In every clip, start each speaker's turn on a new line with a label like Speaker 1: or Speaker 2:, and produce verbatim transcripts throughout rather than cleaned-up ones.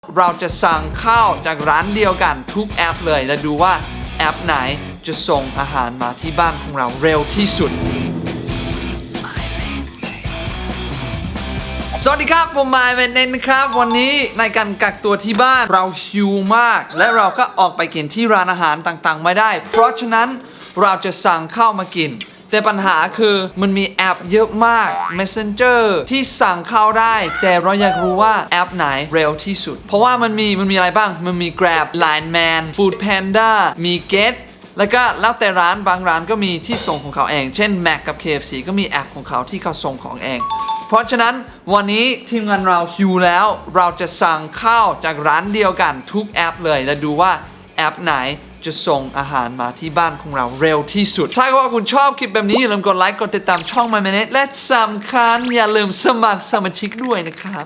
Speaker 1: เราจะสั่งข้าวจากร้านเดียวกันทุกแอปเลยและดูว่าแอปไหนจะส่งอาหารมาที่บ้านของเราเร็วที่สุดสวัสดีครับผมมายเวนเนนนะครับวันนี้ในการกักตัวที่บ้านเราหิวมากและเราก็ออกไปกินที่ร้านอาหารต่างๆไม่ได้เพราะฉะนั้นเราจะสั่งข้าวมากินแต่ปัญหาคือมันมีแอปเยอะมาก Messenger ที่สั่งข้าวได้แต่เราอยากรู้ว่าแอปไหนเร็วที่สุดเพราะว่ามันมีมันมีอะไรบ้างมันมี Grab Line Man Food Panda มี Get แล้วก็แล้วแต่ร้านบางร้านก็มีที่ส่งของเขาเองเช่น Mac กับ เค เอฟ ซี ก็มีแอปของเขาที่เขาส่งของเองเพราะฉะนั้นวันนี้ทีมงานเราหิวแล้วเราจะสั่งข้าวจากร้านเดียวกันทุกแอปเลยและดูว่าแอปไหนจะส่งอาหารมาที่บ้านของเราเร็วที่สุดถ้าว่าคุณชอบคลิปแบบนี้อย่าลืมกดไลค์กดติดตามช่อง My Minute และสำคัญอย่าลืมสมัครสมาชิกด้วยนะครับ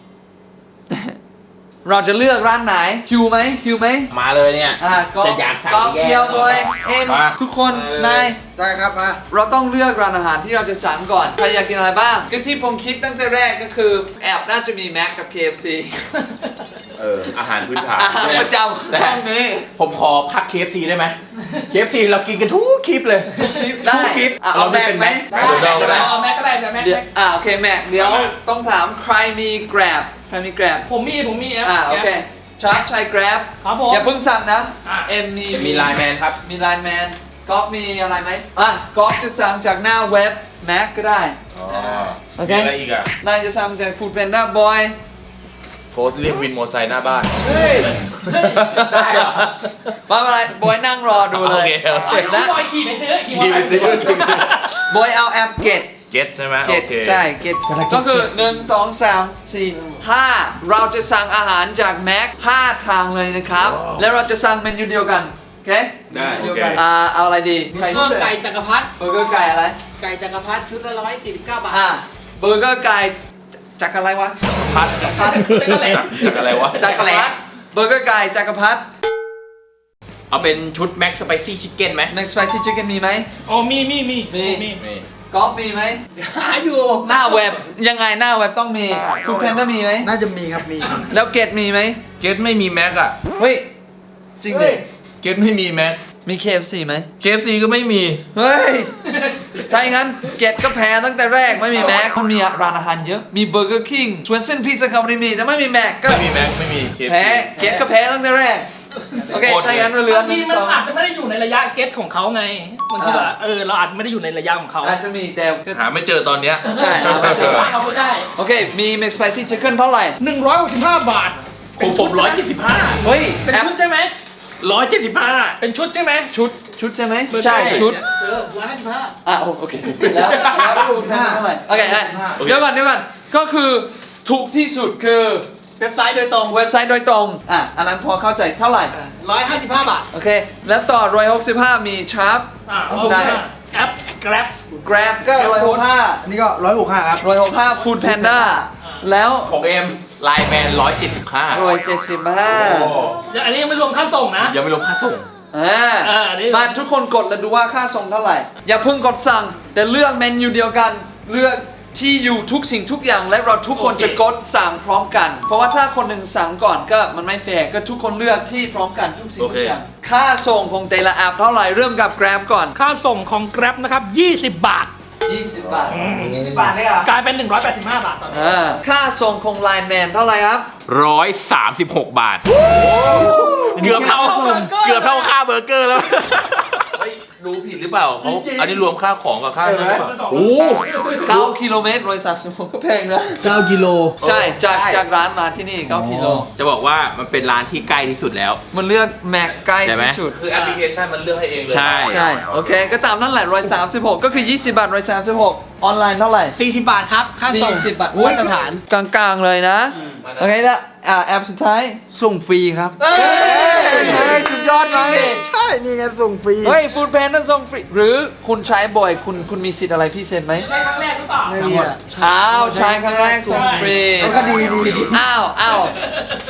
Speaker 1: เราจะเลือกร้านไหนคิวไหมคิวไหม
Speaker 2: มาเลยเนี่ย
Speaker 1: อ่ะก็
Speaker 2: จะอยากสั่ง
Speaker 1: ก็
Speaker 2: แยก
Speaker 1: เดียวเลยเอ็ม
Speaker 2: มา
Speaker 1: ทุกคนนาย
Speaker 3: ได้ครับมา
Speaker 1: เราต้องเลือกร้านอาหารที่เราจะสั่งก่อนใครอยากกินอะไรบ้างก็ที่ผมคิดตั้งแต่แรกก็คือแอบน่าจะมีแม็กกับ เค เอฟ ซี
Speaker 2: เอออาหารพื้นฐาน
Speaker 1: อาหารประจำช่องนี้
Speaker 2: ผมขอพัก เค เอฟ ซี ได้ไหม เค เอฟ ซี เรากินกันทุกคลิปเลย
Speaker 1: ได้
Speaker 2: ทุกคลิป
Speaker 1: อ่ะ
Speaker 2: เรา
Speaker 1: เอา
Speaker 2: ไม่
Speaker 1: แม็ก
Speaker 2: เป็น
Speaker 1: ไหม
Speaker 2: แม็กเดี๋ยวเราก็ได้
Speaker 4: เอาแม็กก็ได้เดี๋ยวแม็ก
Speaker 1: เดี๋ยวอ่าโอเคแม็กเดี๋ยว
Speaker 2: เอามา
Speaker 1: ต้องถามใครมี Grab ใครมี Grab
Speaker 4: ผมมีผมมีแอป
Speaker 1: อ่าโอเคชาร์จใช้ Grab
Speaker 4: ครับผม
Speaker 1: อย่าเพิ่งสั่งนะ
Speaker 4: อ่ะ
Speaker 1: เอ็มมี
Speaker 2: มีไลน์แมนครับ
Speaker 1: มีไลน์แมนก๊อฟมีอะไรไหมอ่ะก๊อฟจะสั่งจากหน้าเว็บแม็กก็ได้
Speaker 2: อ๋อ
Speaker 1: โอเค
Speaker 2: มีอะไรอีกอ่ะ
Speaker 1: นายจะสั่งจาก Food Panda Boy
Speaker 2: โพสต์เรียกวินมอเตอร์ไซค์หน้าบ้าน
Speaker 1: เฮ้ย
Speaker 2: ได้เหรอ
Speaker 1: มาอะไรบอยนั่งรอดูเลย
Speaker 2: โอเคโอเค
Speaker 4: เดี๋ยวพี่บอยขี่ไปซื้อขี่
Speaker 2: ขี่ไปซื้อ
Speaker 1: บอยเอาแอปเกต
Speaker 2: เก็ตใช่ไหม
Speaker 1: เก
Speaker 2: โอ
Speaker 1: ต
Speaker 2: เค
Speaker 1: ใช่เกตก็คือหนึ่ง สอง สาม สี่ ห้าเราจะสั่งอาหารจากแม็กห้าทางเลยนะครับ แล้วเราจะสั่งเมนูเดียวกัน โอเค
Speaker 2: ได้โอเค
Speaker 1: อ่าเอาอะไรดีใคร
Speaker 3: เพิ่มไก่จักรพรรดิ
Speaker 1: เบอร์เกอร์ไก่อะไร
Speaker 3: ไก่จักรพรรดิชุดละร้อยสี่สิบเก้าบาท
Speaker 1: อ่าเบอร์เกอร์ไก่จากอะไรวะ
Speaker 2: พัดจากจากอะไรวะ
Speaker 1: จักรพรรดิเบอร์เกอร์ไก่จักรพรรดิ
Speaker 2: เอาเป็นชุดแม็กสไปซี่ชิคเก้นไหม
Speaker 1: แม็กสไปซี่ชิคเก้นมีไหม
Speaker 4: อ๋อมีมีมี
Speaker 1: มี
Speaker 4: มี
Speaker 2: นี่
Speaker 1: ก๊อฟมีไหม
Speaker 3: หาอยู่
Speaker 1: หน้าเว็บยังไงหน้าเว็บต้องมีฟูดแพนด้ามีไหม
Speaker 3: น่าจะมีครับมี
Speaker 1: แล้วเกตมีไหม
Speaker 2: เก็ตไม่มีแม็กอ่ะ
Speaker 1: เฮ้ยจริงดิ
Speaker 2: เก็ตไม่มีแม็ก
Speaker 1: มี เค เอฟ ซี ไหม
Speaker 2: เค เอฟ ซี ก็ไม่มี
Speaker 1: เฮ้ย ถ้าอย่างนั้นเกตก็แพ้ตั้งแต่แรกไม่มีแม็กมันมีร้านอาหารเยอะ มีเบอร์เกอร์คิงสวนเส้นพิซซ่าคาร์บมีแต่ไม่มีแม็กก็
Speaker 2: ไม่มีแม็กไม่มี เค เอฟ ซี
Speaker 1: แพ้เกตก็แพ้ตั้งแต่แรก โอเค ถ้าอย่างนั้นเราเหลือบ
Speaker 4: าง
Speaker 1: ห
Speaker 4: ที
Speaker 1: นึ่ง
Speaker 4: มัน
Speaker 1: สอง
Speaker 4: อาจจะไม่ได้อยู่ในระยะเก็ตของเขาไงมันคือแบบเออเราอาจจะไม่ได้อยู่ในระยะของเขา
Speaker 1: อาจจะมีแต่ก็
Speaker 2: หาไม่เจอตอนเนี้ย
Speaker 1: ใช่หาไม่เจอ
Speaker 4: เอาไปได้
Speaker 1: โอเค มีแม็กสไปซี่ชิคเก้นเท่าไหร่
Speaker 4: หนึ่งร้อยหกสิบห้าบาท
Speaker 2: ผมผมร้อยเจ็ดสิบห้า
Speaker 1: เฮ้ย
Speaker 4: เป็น
Speaker 1: แอป
Speaker 4: ชุดใช่ไหม
Speaker 2: ร้อยเจ็ดสิบห้า
Speaker 4: เป็นชุดใช่ไหม
Speaker 1: ชุดชุดใช่ไหม
Speaker 4: ไม่ใช่
Speaker 1: ใช่ชุด
Speaker 3: เออร้อยห้าสิบห้า
Speaker 1: อ่ะโอเคแล้วแล้วดูแพนเท่าไหร่โอเคอ่ะเดี๋ยวก่อนเดี๋ยวก่อนก็คือถูกที่สุดคือ
Speaker 3: เว็บไซต์โดยตรง
Speaker 1: เว็บไซต์โดยตรงอ่ะอันนั้นพอเข้าใจเท่าไหร่
Speaker 3: ร้อยห้าสิบห้าบาท
Speaker 1: โอเค แล้วต่อหนึ่งร้อยหกสิบห้ามีชาร์ป
Speaker 4: อ่า
Speaker 1: ได้
Speaker 4: แอป Grab
Speaker 1: Grab ก็หนึ่งร้อยหกสิบห้า
Speaker 3: อันนี้ก็ร้อยหกห้าครับ
Speaker 1: หนึ่งร้อยหกสิบห้า Food Panda แล้ว
Speaker 2: ของเอ็มไลน์แมนร้อยเจ็ดสิบห้า
Speaker 1: หนึ่งร้อยเจ็ดสิบห้า
Speaker 4: เดี๋ยวอันนี้ยังไม่รวมค่าส่งนะ
Speaker 2: ยังไม่ลงค่าส่ง
Speaker 1: อ่า
Speaker 4: เอออันนี้
Speaker 1: มาทุกคนกดแล้วดูว่าค่าส่งเท่าไหร่ อย่าเพิ่งกดสั่ง แต่เลือกเมนูเดียวกัน เลือกที่อยู่ทุกสิ่งทุกอย่างและเราทุกคนจะกดสั่งพร้อมกัน เพราะว่าถ้าคนหนึ่งสั่งก่อนก็มันไม่แฟร์ก็ทุกคนเลือกที่พร้อมกันทุกสิ่งทุกอย่าง ค่าส่งของแต่ละแอปเท่าไหร่เริ่มกับ Grab ก่อน
Speaker 4: ค่าส่งของ Grab นะครับยี่สิบบาท
Speaker 1: ยี่สิบบาท
Speaker 3: ยี่สิบบาทเลยเหรอก
Speaker 4: ลายเป็นหนึ่งร้อยแปดสิบห้าบาทตอนนี้
Speaker 1: อ่าค่าส่งของ Line Man เท่าไหร่ครับ
Speaker 2: ร้อยสามสิบหกบาท เกือบเท่าเกือบเท่าค่าเบอร์เกอร์แล้ว เฮ้ยดูผิดหรือเปล่าเขาอันนี้รวมค่าของกับค่านั้นหรือเปล่าโอ้
Speaker 1: เก้ากิโลเมตรร้อยสามสิบหกก็แพงนะ
Speaker 3: เก้ากิโล
Speaker 1: ใช่จากจากร้านมาที่นี่เก้ากิโล
Speaker 2: จะบอกว่ามันเป็นร้านที่ใกล้ที่สุดแล้ว
Speaker 1: มันเลือกแม็กใกล้
Speaker 2: ใช่ไหม
Speaker 1: ที่สุด
Speaker 2: คือแอปพลิเคชันมันเลือกให้เองเลย ใช่
Speaker 1: ใช่ โอเค ก็ตามนั่นแหละร้อยสามสิบหกก็คือยี่สิบบาทร้อยสามสิบหกออนไลน์เท่าไหร่
Speaker 3: สี่สิบบาทครับ ค่าส่ง
Speaker 1: สี่สิบบาท
Speaker 3: มาตรฐาน
Speaker 1: กลางๆเลยนะ โอเคแล้วอ่าแอปสุดท้าย
Speaker 2: ส่งฟรีครับ
Speaker 1: เฮ้ยสุดยอดเลย
Speaker 3: ใช่ นี่ไงส่งฟรี
Speaker 1: เฮ้ยฟูดแพนต้องส่งฟรี หรือคุณใช้บ่อยคุณคุณมีสิทธิ์อะไรพิเศษไหม
Speaker 4: ใช้ครั้งแรกหรือเปล่า
Speaker 3: ไม่มีอะ
Speaker 1: อ้าวใช้ครั้งแรกส่งฟรี
Speaker 3: มันก็ดีดีดี
Speaker 1: อ้าวอ้าว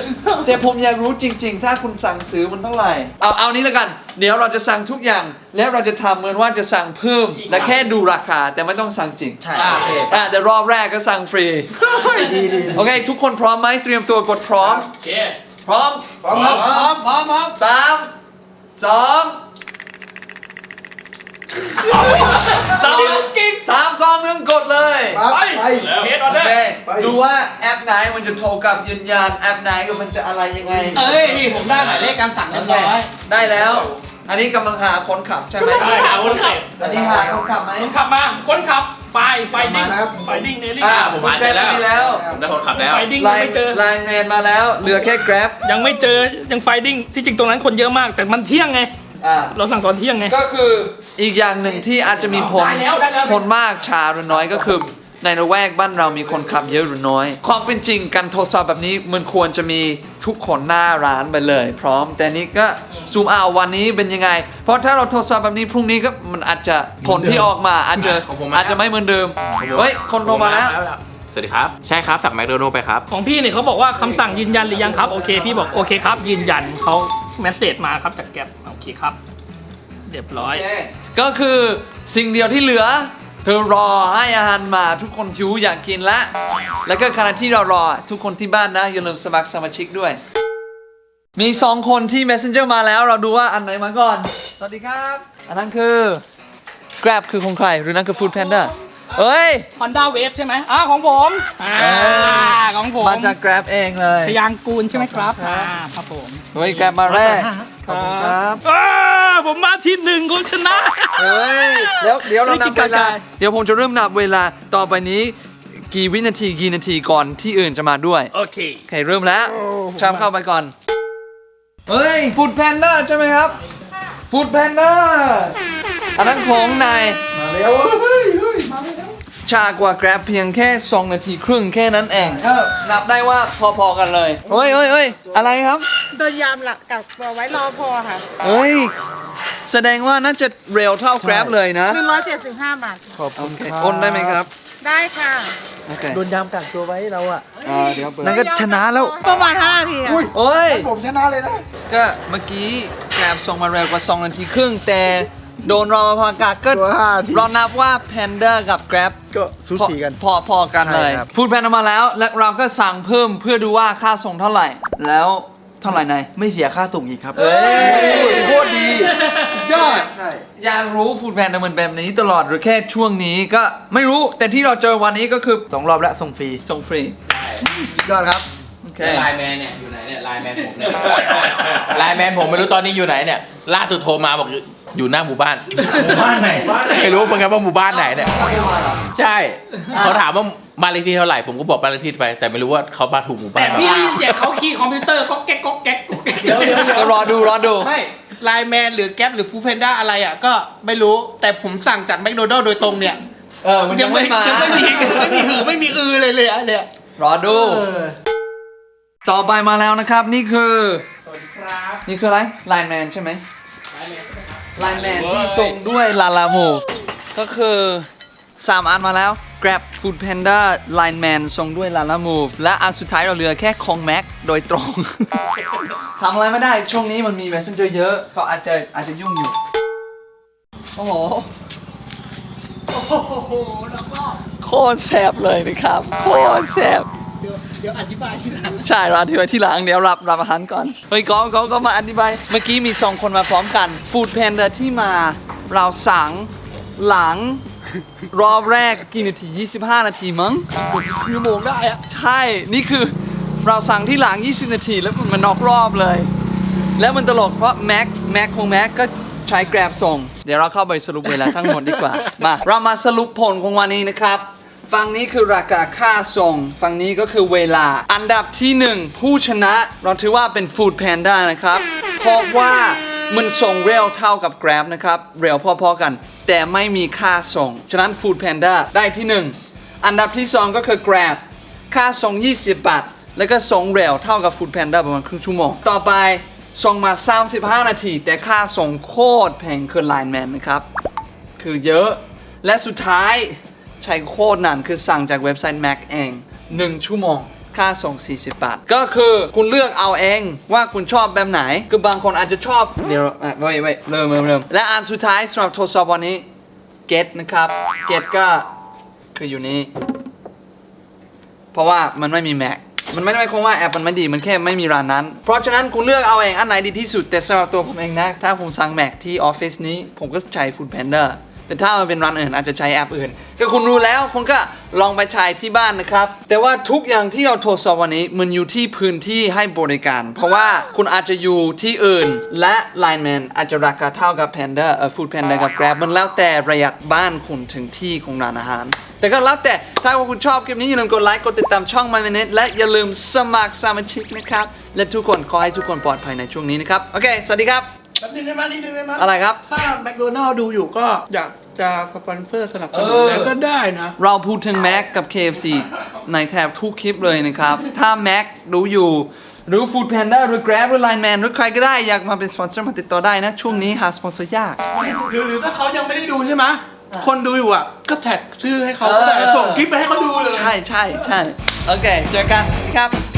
Speaker 1: แต่ผมอยากรู้จริง ๆ ถ้าคุณสั่งซื้อมันเท่าไหร่ เอาเอานี้แล้วกัน เดี๋ยวเราจะสั่งทุกอย่าง แล้วเราจะทำเหมือนว่าจะสั่งเพิ่ม และแค่ดูราคาแต่ไม่ต้องสั่งจริง
Speaker 3: ใช่
Speaker 4: อ่า
Speaker 3: โอเค
Speaker 1: อ่ะแต่รอบแรกก็สั่งฟรี
Speaker 3: ดีดี
Speaker 1: โอเค ทุกคนพร้อมไหมเตรียมตัวกดพร้อม
Speaker 4: โอเค
Speaker 1: พร้อม
Speaker 3: พร้อมครับพร้อมพร้อมพร้อม
Speaker 1: สามสอง
Speaker 4: สาวกิ๊ก
Speaker 1: สามสองหนึ่งกดเลย
Speaker 3: ครับ
Speaker 4: ไป
Speaker 3: ไป
Speaker 4: เคสออ
Speaker 1: โอ
Speaker 4: เดอ
Speaker 1: เค
Speaker 4: ร์
Speaker 3: ไป
Speaker 1: ดูว่าแอปไหนมันจะโทรกลับยืนยันแอปไหนก็มันจะอะไรยังไง
Speaker 3: เอ้ยนี่ผมได้หมายเลขการสั่งเรียบร้อย
Speaker 1: ได้แล้ว อันนี้กำลังหาคนขับใช่ไหม
Speaker 4: ใช่หาคนขับ
Speaker 1: อันนี้หาคนขับไหม
Speaker 4: คนขับมา คนขับ ไฟ ไฟดิ้ง
Speaker 3: มานะครับ
Speaker 4: ไฟดิ้งเนลี่
Speaker 1: อ่า
Speaker 2: ผม
Speaker 1: คุณ
Speaker 2: หา
Speaker 1: แก
Speaker 2: เจ
Speaker 1: ร็
Speaker 2: อบ แล้ว
Speaker 1: มีแล้ว
Speaker 2: ผมได้คนขับแล้ว
Speaker 4: ไฟดิ้ง
Speaker 1: ไล
Speaker 4: ยังไม่
Speaker 1: น์
Speaker 4: เจอ
Speaker 1: ไลน์แมนมาแล้ว เหลือแค่ Grab
Speaker 4: ยังไม่เจอ ยังไฟดิ้ง ที่จริงตรงนั้นคนเยอะมาก แต่มันเที่ยงไง
Speaker 1: อ่า
Speaker 4: เราสั่งตอนเที่ยงไง
Speaker 1: ก็คืออีกอย่างหนึ่งที่อาจจะมีผล
Speaker 4: ได้แล้วได้แล้ว
Speaker 1: ผลมากช้าหรือน้อยก็คือในละแวกบ้านเรามีคนขับเยอะหรือน้อย ความเป็นจริงการโทรศัพท์แบบนี้มันควรจะมีทุกคนหน้าร้านไปเลย พร้อม แต่นี้ก็ซูมเอาวันนี้เป็นยังไง เพราะถ้าเราโทรศัพท์แบบนี้พรุ่งนี้ก็มันอาจจะผลที่ออกมาอาจจะ
Speaker 2: ของผมมาแล้ว
Speaker 1: อาจจะไม่เหมือนเดิมเฮ้ยคนโทรมาแล้ว
Speaker 2: สวัสดีครับ ใช่ครับ สั่งแมคโดนัลด์ไปครับ
Speaker 4: ของพี่เนี่ยเขาบอกว่าคำสั่งยืนยันหรือยังครับ โอเค พี่บอกโอเคครับ ยืนยันเขาเมสเซจมาครับจากแก๊ปโอเคครับ เรียบร้อย
Speaker 1: ก็คือสิ่งเดียวที่เหลือคือรอให้อาหารมาทุกคนหิวอยากกินแล้ว แล้วก็ขณะที่เรารอทุกคนที่บ้านนะอย่าลืมสมัครสมาชิกด้วย มีสองคนที่ Messenger มาแล้วเราดูว่าอันไหนมาก่อน สวัสดีครับ อันนั้นคือ Grab คือของใครหรือนั่นคือ Food Panda เอ้ย
Speaker 4: Honda Wave ใช่ไหมอ่าของผมอ่า
Speaker 1: เอ้ย
Speaker 4: ของผม
Speaker 1: มาจาก Grab เองเลย
Speaker 4: ชยางกูลใช่ไหมครับอ่าครับผม
Speaker 1: เฮ้ย Grab มาแรกขอบคุณครับ
Speaker 4: อ่าผมมาที่หนึ่งผมชนะ
Speaker 1: เฮ้ยเดี๋ยวเดี๋ยวเรานับเวลา
Speaker 4: ไม่กินกาแฟ
Speaker 1: เดี๋ยวผมจะเริ่มนับเวลาต่อไปนี้กี่วินาทีกี่นาทีก่อนที่อื่นจะมาด้วย
Speaker 4: โอเค
Speaker 1: โอเคเริ่มแล้วชามเข้าไปก่อน เฮ้ยฟูดแพนด้าใช่ไหมครับฟูดแพนด้าอันนั้นของนาย
Speaker 3: มาเร็วเฮ้ยเฮ้ยมาเร็ว
Speaker 1: ช้ากว่า Grab เพียงแค่สองนาทีครึ่งแค่นั้นเองก็นับได้ว่าพอๆกันเลยเฮ้ยเฮ้ยเฮ้ยอะไรครับ
Speaker 5: โดนยามหลักกักตัวไว้รอพอค่ะ
Speaker 1: เฮ้ยแสดงว่าน่าจะเร็วเท่า Grab เลยนะ
Speaker 5: หนึ่งร้อยเจ็ดสิบห้าบาท
Speaker 3: ขอบ
Speaker 1: โอ
Speaker 3: คุณ
Speaker 1: เค
Speaker 3: ครับ
Speaker 1: โอนได้ไหมครับ
Speaker 5: ได้ค่ะ
Speaker 1: โอเค
Speaker 3: โดนยามกักตัวไว้เราอ่ะ
Speaker 1: อ่าเดี๋ยวเปิด
Speaker 3: นั่นก็ชนะแล้ว
Speaker 5: ประมาณห้านาทีอะ
Speaker 3: อุ้ย
Speaker 1: โอ้ย
Speaker 3: ผมชนะเลยนะ
Speaker 1: ก็เมื่อกี้ Grab ส่งมาเร็วกว่าสองนาทีครึ่งแต่โดนรอพากาก็
Speaker 3: ตัวห้านาที
Speaker 1: เรานับว่า Panda กับ Grab
Speaker 3: ก็สูสีกัน
Speaker 1: พอพอกันเลย
Speaker 3: ใช่ครับ
Speaker 1: ฟูดแพนมาแล้ว และเราก็สั่งเพิ่มเพื่อดูว่าค่าส่งเท่าไหร่ แล้วเท่าไหร่นาย
Speaker 3: ไม่เสียค่าส่งอีกครับ
Speaker 1: เอ้ย
Speaker 3: โคตรดียอดใช่
Speaker 1: อยากรู้ฟูดแพนมันแบบนี้ตลอดหรือแค่ช่วงนี้ก็ไม่รู้แต่ที่เราเจอวันนี้ก็คือ
Speaker 3: สองรอบแล้วส่งฟรี
Speaker 1: ส่งฟรี
Speaker 3: สุดยอดครับ
Speaker 1: โอเค
Speaker 2: ไลน์แมนเนี่ยอยู่ไหนเนี่ยไลน์แมนผมเนี่ยไลน์แมนผมไม่รู้ตอนนี้อยู่ไหนเนี่ยล่าสุดโทรมาบอกอยู่อยู่หน้าหมู่บ้านหมู่บ้านไหนไม่รู้เหมือนกันว่าหมู่บ้านไหนเนี่ยใช่เขาถามว่าบ้านเลขที่เท่าไหร่ผมก็บอกบ้านเลขที่ไป แต่ไม่รู้ว่าเขามาถูกหมู่บ้า
Speaker 4: แต่
Speaker 2: น
Speaker 4: พี่ได้ยินเสียงเขาคีย์คอมพิวเตอร์ก็แก๊กก็แก๊กก็แก๊ก
Speaker 3: เดี๋ยวเดี๋ยวเดี๋ยว
Speaker 1: ก็รอดูรอดู
Speaker 6: ไม่ไลน์แมนหรือแก๊ปหรือฟู้ดแพนด้าอะไรอ่ะก็ไม่รู้แต่ผมสั่งจากแมคโดนัลด์โดยตรงเนี่ย
Speaker 1: เออมันยังไม่มา
Speaker 6: ยังไม่มียังไม่มีหือไม่มีอือเลยเลยอ่ะเนี่ย
Speaker 1: รอดู
Speaker 3: เออ
Speaker 1: ต่อไปมาแล้วนะครับนี่คือนี่คืออะไรไลน์แมนใช่ไหมไลน์แมนที่ส่งด้วยลาลามูก็คือสามอันมาแล้ว Grab Food Panda Line Man ส่งด้วย Lala Move และอันสุดท้ายเราเหลือแค่ของ Mac โดยตรง ทำอะไรไม่ได้ช่วงนี้มันมี Messenger เยอะเขาอาจจะอาจจะยุ่งอยู่ โอ้โห โคตรแสบเลยนะครับ โคตรแสบ
Speaker 6: เดี๋ยวอธิบายทีหลัง
Speaker 1: ใช่เราอธิบายที่หลังเดี๋ยวรับรับอาหารก่อน เฮ้ยก็ก็ก็มาอธิบาย เมื่อกี้มีสองคนมาพร้อมกัน Food Panda ที่มาเราสั่งหลัง รอบแรกกี่นาที ยี่สิบห้า นาทีมั้งชั่วโมงได้อะใช่ นี่คือเราสั่งที่หลัง ยี่สิบ นาทีแล้วมันนอกรอบเลย แล้วมันตลกเพราะแม็กแม็กของแม็กก็ใช้ Grab ส่ง เดี๋ยวเราเข้าไปสรุปเวลาทั้งหมดดีกว่า มา เรามาสรุปผลของวันนี้นะครับ ฝั่งนี้คือราคาค่าส่ง ฝั่งนี้ก็คือเวลา อันดับที่หนึ่งผู้ชนะเราถือว่าเป็น Food Panda นะครับ เพราะว่ามันส่งเร็วเท่ากับ Grab นะครับ เร็วพอๆกัน แต่ไม่มีค่าส่ง ฉะนั้น Food Panda ได้ที่หนึ่งอันดับที่สองก็คือ Grab ค่าส่ง ยี่สิบบาท แล้วก็ส่งเร็วเท่ากับ Food Panda ประมาณครึ่งชั่วโมง ต่อไปส่งมา สามสิบห้า นาที แต่ค่าส่งโคตรแพงคือ Line Man นะครับ คือเยอะ และสุดท้ายใช้โคตรนานคือสั่งจากเว็บไซต์ Mac เองหนึ่งชั่วโมงค่าส่งสี่สิบบาท ก็คือคุณเลือกเอาเองว่าคุณชอบแบบไหน คือบางคนอาจจะชอบ เดี๋ยวอ่ะเว้ยเว้ยเริ่มเริ่มเริ่มและอันสุดท้ายสำหรับทดสอบวันนี้ get นะครับ get ก็คืออยู่นี้ เพราะว่ามันไม่มี Mac มันไม่ได้หมายความว่าแอปมันไม่ดี มันแค่ไม่มีร้านนั้น เพราะฉะนั้นคุณเลือกเอาเองอันไหนดีที่สุด แต่สำหรับตัวผมเองนะ ถ้าผมสั่ง Mac ที่ออฟฟิศนี้ ผมก็ใช้ Food Panda แต่ถ้ามันเป็นร้านอื่นอาจจะใช้แอปอื่น ก็คุณรู้แล้วคุณก็ลองไปใช้ที่บ้านนะครับ แต่ว่าทุกอย่างที่เราทดสอบวันนี้มันอยู่ที่พื้นที่ให้บริการ เพราะว่าคุณอาจจะอยู่ที่อื่น และ Line Man อาจจะราคาเท่ากับ Panda เอ่อ Food Panda กับ Grab มันแล้วแต่ระยะบ้านคุณถึงที่ของร้านอาหาร แต่ก็แล้วแต่ถ้าว่าคุณชอบคลิปนี้อย่าลืมกดไลค์กดติดตามช่อง My Minute และอย่าลืมสมัครสมาชิกนะครับและทุกคนขอให้ทุกคนปลอดภัยในช่วงนี้นะครับโอเคสวัสดีครับ
Speaker 6: แป๊บนึงได้ไหมนิดนึงได้ไหม
Speaker 1: อะไรครับ
Speaker 6: ถ้าแมคโดนัลด์ดูอยู่ก็อยากจะสปอนเซอร์สนับสนุนอะไรก็ได้นะ
Speaker 1: เราพูดถึง Mac กับ เค เอฟ ซี ในแทบทุกคลิปเลยนะครับ ถ้า Mac ดูอยู่ หรือ Food Panda หรือ Grab หรือ Line Man หรือใครก็ได้อยากมาเป็นสปอนเซอร์มาติดต่อได้นะ ช่วงนี้หาสปอนเซอร์ยาก
Speaker 6: หรือหรือถ้าเขายังไม่ได้ดูใช่ไหมคนดูอยู่อ่ะ ก็แท็กชื่อให้เขาก็ได้
Speaker 1: เออ
Speaker 6: ส่งคลิปไปให้เขาดูเลย
Speaker 1: ใช่ใช่ใช่โอเค เจอกันครับ